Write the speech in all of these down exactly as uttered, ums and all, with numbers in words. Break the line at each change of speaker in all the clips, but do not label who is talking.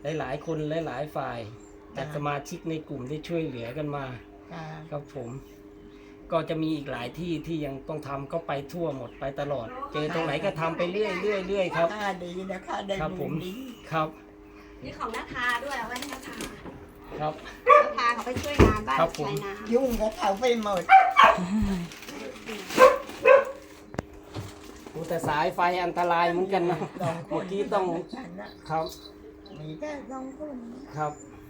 หลายๆคนหลายๆฝ่ายจากสมาชิกในกลุ่มที่ช่วยเหลือกันมาครับผมก็จะมีอีกหลายที่ที่ยังต้องทำก็ไปทั่วหมดไปตลอด เจอตรงไหนก็ทำไปเรื่อยเรื่อยเรื่อยครับ
ดีนะคะได้
ครับผมครับ
นี่ของนาทาด้วยเอาไว้ให้นาทา
ครับ
นาทาเขาไปช่วยงานบ้าน
ครับผม
ชายนา
ยุ่งกับเขาไปหมด
แต่สายไฟอันตรายเหมือนกันนะเมื่อกี้ต้องครับ
มีแค่สองคน
ครับ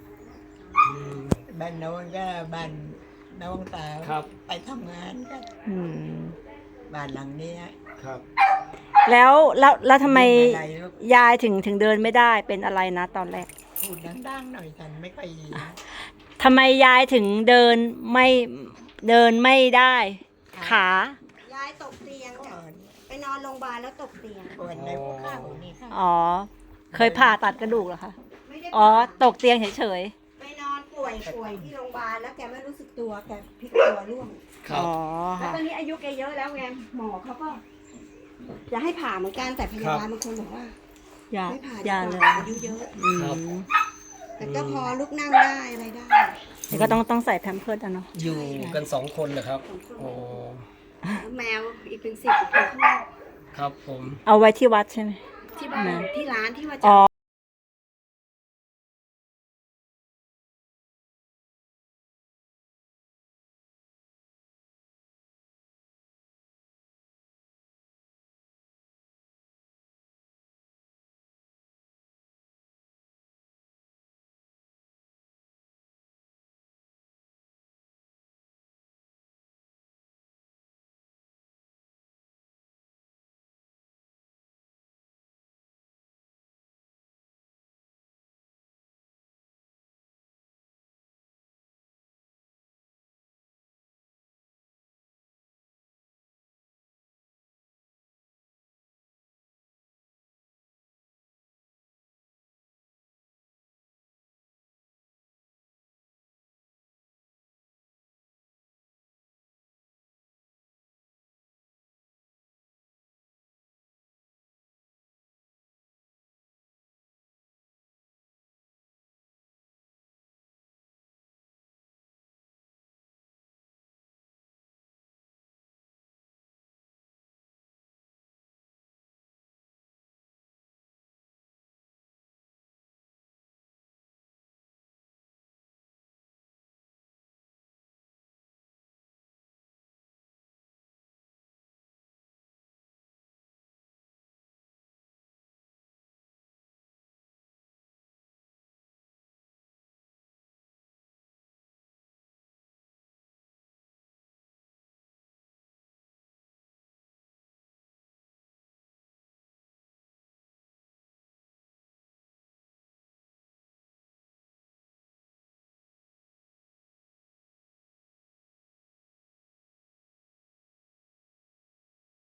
บ้านโน้นก็บ้านน้องสาว
ครับ
ไปทำงานกัน
อืม
บ้านหลังนี้
ครับ
แล้วแล้วแล้วทำไม
อะไรลูก
ยายถึงถึงเดินไม่ได้เป็นอะไรนะตอนแรก
พูดดังๆหน่อยฉันไม่ค่อยยิน
ทำไมยายถึงเดินไม่เดินไม่ได้ ขา
ยายตกเตียง
ก่
จ้ะ
อน
ไปนอนโรงพยาบาลแล้วตกเตียง
ปวดในหัวเข่านี่ค่ะ
อ๋อ เคยผ่าตัดกระดูกเหรอคะ
ไม่ได้
อ๋อ
ผ่า
ตกเตียงเฉย
ไปนอนป่วยป่วยที่โรงพยาบาลแล้วแกไม่รู้สึกตัวแกพลิกตัวร่วง
ค
ๆ
รับ
อ๋อ
แล้ว
ค่ะ
ตอนนี้อายุแกเยอะแล้วไงหมอเขาก็จะให้ผ่าเหมือนกันแต่พยาบาลบางคนบอกว่า
อย่า
ไม่ผ่า
อย่า
ดี
เล
ก
ย
ว่าอายุเยอะ
อืม
ครับ
แต่ก็พอลุกนั่งได้อะไรได้
นี่ก็ต้องต้องใส่แพมเพิร์สอ่ะเนาะ
อยู่กันสองคนเหรอครับโอ้
แมวอีกเป็นสิบตัวข้างนอก
ครับผม
เอาไว้ที่วัดใช่ไหม
ที่บ้านที่ร้านที่ว่าจะ
อ๋อ